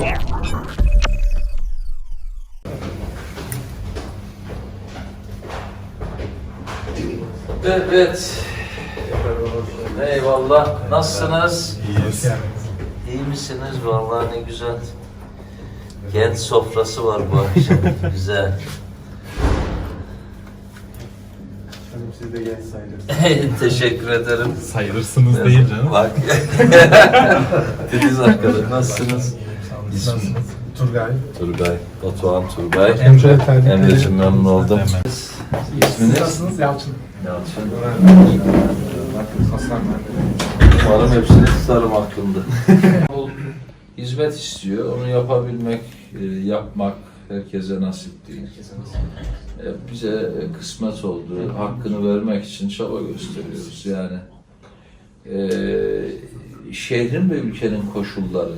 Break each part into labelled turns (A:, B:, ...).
A: Evet. Eyvallah. Nasılsınız?
B: İyiyiz.
A: İyi misiniz? Vallahi ne güzel. Genç sofrası var bu akşam. Güzel.
B: Siz de genç sayılırsınız.
A: Teşekkür ederim.
B: Sayılırsınız değil canım.
A: Bak. Deniz arkadaş. Nasılsınız?
B: Nasılsınız? Turgay.
A: Turgay. Batuhan Turgay.
B: Emre'cim
A: memnun oldum. İsminiz?
B: Nasılsınız? Yalçın.
A: Yalçın.
B: Hasan ben.
A: Umarım hepsini tutarım aklımda. O hizmet istiyor. Onu yapabilmek, yapmak herkese nasip değil. Bize kısmet oldu. Hakkını vermek için çaba gösteriyoruz. Yani şehrin ve ülkenin koşulları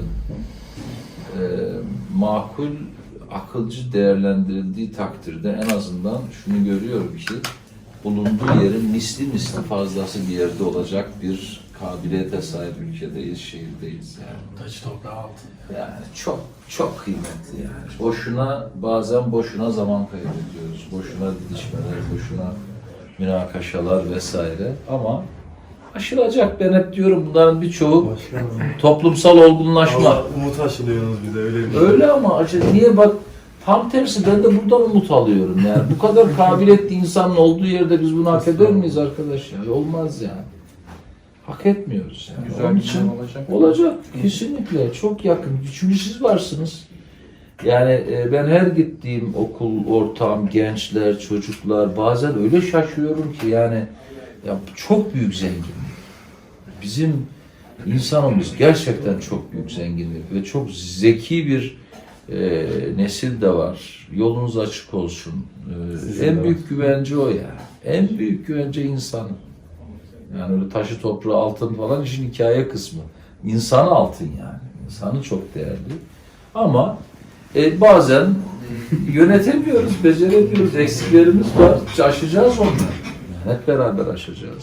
A: makul, akılcı değerlendirildiği takdirde en azından şunu görüyorum ki bulunduğu yerin misli fazlası bir yerde olacak bir kabiliyete sahip ülkedeyiz, şehirdeyiz yani.
B: Taç toprağı altın.
A: Yani çok kıymetli yani. Bazen boşuna zaman kaybediyoruz. Boşuna didişmeler, boşuna münakaşalar vesaire. Ama aşılacak, ben hep diyorum bunların birçoğu toplumsal olgunlaşma.
B: Allah, umut aşılıyorsunuz bize öyle bir şey.
A: Öyle ama niye bak, tam tersi, ben de buradan umut alıyorum yani. Bu kadar kabiliyetli insanın olduğu yerde biz bunu hak eder miyiz arkadaş ya? Olmaz yani. Hak etmiyoruz yani.
B: Güzel
A: Onun
B: bir
A: için
B: olacak.
A: olacak kesinlikle, çok yakın. Çünkü siz varsınız. Yani ben her gittiğim okul, ortam, gençler, çocuklar, bazen öyle şaşıyorum ki yani ya çok büyük zenginlik. Bizim insanımız gerçekten çok büyük zenginlik ve çok zeki bir nesil de var. Yolunuz açık olsun. En büyük güvence o ya. En büyük güvence insan. Yani öyle taşı toprağı altın falan işin hikaye kısmı. İnsanı altın yani. İnsanı çok değerli. Ama bazen yönetemiyoruz, beceremiyoruz. Eksiklerimiz var. Aşacağız onları. Yani hep beraber aşacağız.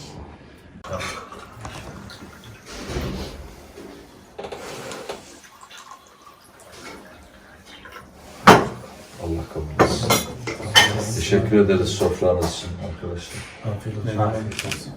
A: Allah kabul etsin. Teşekkür ederiz sofranız için arkadaşlar.
B: Afiyet olsun.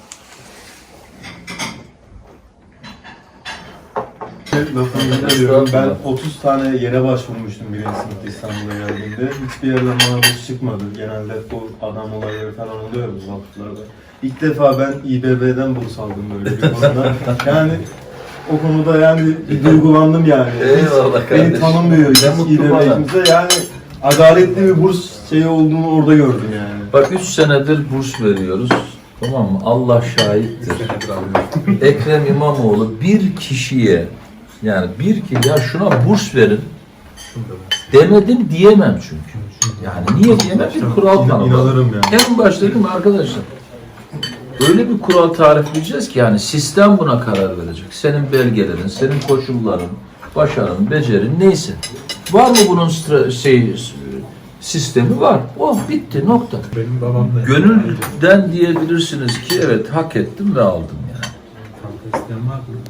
B: Lafını biliyorum. Ben 30 tane yere başvurmuştum birinci sınıfta İstanbul'a geldiğimde. Hiçbir yerden bana burs çıkmadı. Genelde bu adam olayları falan oluyor bu vakıflarda. İlk defa ben İBB'den burs aldım böyle bir konuda. Yani o konuda yani bir duygulandım yani.
A: Eyvallah kardeşim.
B: Beni tanımıyor İBB'imizde. Yani adaletli bir burs şeyi olduğunu orada gördüm yani.
A: Bak 3 senedir burs veriyoruz. Tamam mı? Allah şahittir. Ekrem İmamoğlu bir kişiye, yani ya şuna burs verin demedim diyemem çünkü. Yani niye diyemem? Bir kural tanımladım.
B: İnanırım yani.
A: En başta dedim arkadaşlar, öyle bir kural tarifleyeceğiz ki yani sistem buna karar verecek. Senin belgelerin, senin koşulların, başarın, becerin neyse. Var mı bunun sistemi var. Oh bitti, nokta.
B: Benim babam da.
A: Gönülden diyebilirsiniz ki evet hak ettim ve aldım yani.
B: Kanka isteyen var mı?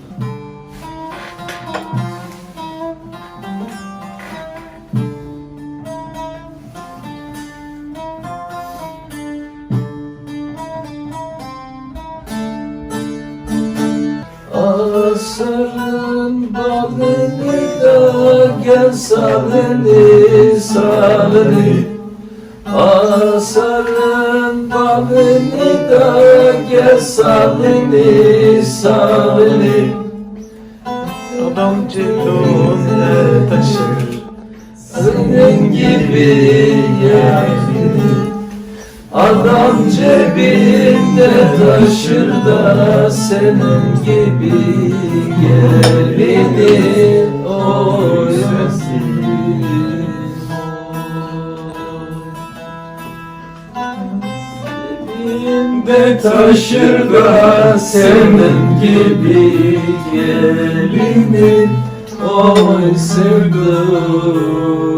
A: Asırın balını da gel salını Asarın balını da gel salını
B: Adam cebinde taşır.
A: Senin gibi yani adam cebinde taşır da senin gibi gelini oymasın. Cebinde taşır da senin gibi gelini oy sevdim.